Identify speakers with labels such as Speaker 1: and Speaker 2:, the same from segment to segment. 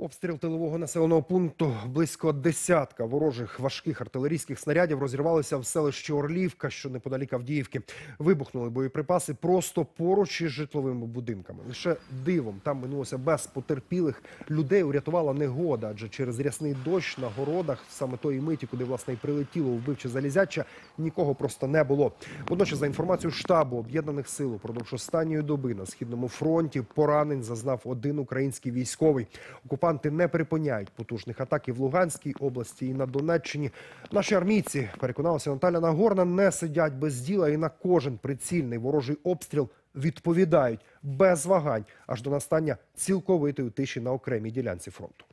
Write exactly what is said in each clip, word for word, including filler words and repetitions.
Speaker 1: Обстріл тилового населеного пункту. Близько десятка ворожих важких артилерійських снарядів розірвалися в селищі Орлівка, що неподалік Авдіївки. Вибухнули боєприпаси просто поруч із житловими будинками. Лише дивом там минулося без потерпілих. Людей урятувала негода, адже через рясний дощ на городах, саме тої миті, куди, власне, і прилетіло вбивче залізяча, нікого просто не було. Водночас, за інформацією штабу Об'єднаних сил, упродовж останньої доби на Східному фронті поранень зазнав один український військовий. Окупанти не припиняють потужних атак і в Луганській області, і на Донеччині. Наші армійці, переконалася Наталя Нагорна, не сидять без діла і на кожен прицільний ворожий обстріл відповідають без вагань, аж до настання цілковитої тиші на окремій ділянці фронту.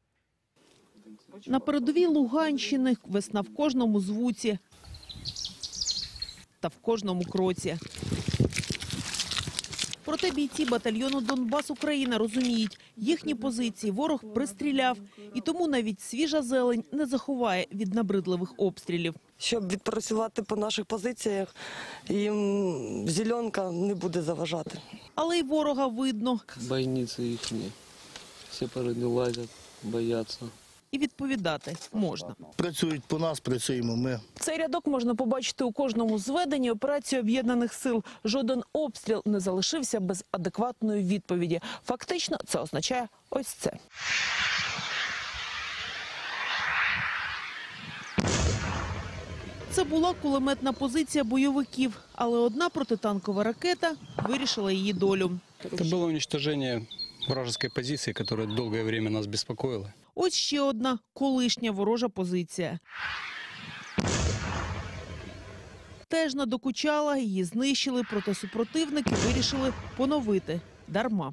Speaker 2: На передовій Луганщини весна в кожному звуці та в кожному кроці. Проте бійці батальйону «Донбас Україна» розуміють, їхні позиції ворог пристріляв. І тому навіть свіжа зелень не заховає від набридливих обстрілів.
Speaker 3: Щоб відпрацювати по наших позиціях, їм зеленка не буде заважати.
Speaker 2: Але й ворога видно.
Speaker 4: Бойниці їхні, всі переді лазять, бояться.
Speaker 2: І відповідати можна.
Speaker 5: Працюють по нас, працюємо ми.
Speaker 2: Цей рядок можна побачити у кожному зведенні операції Об'єднаних сил. Жоден обстріл не залишився без адекватної відповіді. Фактично, це означає ось це. Це була кулеметна позиція бойовиків, але одна протитанкова ракета вирішила її долю.
Speaker 6: Це було уничтоження вражеской позиции, которая долгое время нас беспокоила.
Speaker 2: Ось ще одна колишня ворожа позиція. Теж надокучала, її знищили, проте супротивники вирішили поновити. Дарма.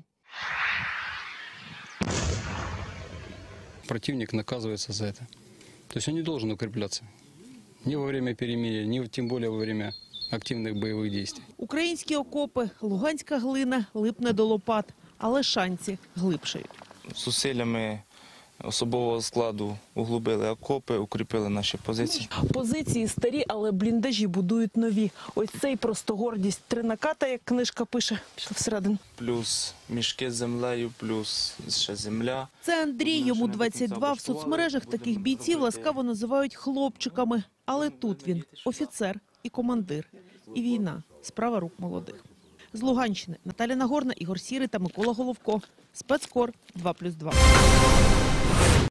Speaker 6: Противник наказывается за это. То есть он не должен укрепляться. Ни во время перемирия, ни тем более во время активных боевых действий.
Speaker 2: Українські окопи, луганська глина липне до лопат, але шанси глибшають.
Speaker 7: Зусиллями особового складу углубили окопи, укріпили наші позиції.
Speaker 2: Позиції старі, але бліндажі будують нові. Ось цей просто гордість. Три наката, як книжка пише. Пішли всередину.
Speaker 7: Плюс мішки з землею, плюс ще земля.
Speaker 2: Це Андрій, йому двадцять два. В соцмережах таких бійців ласкаво називають хлопчиками. Але тут він офіцер і командир. І війна – справа рук молодих. З Луганщини Наталя Нагорна, Ігор Сірий та Микола Головко. Спецкор два плюс два.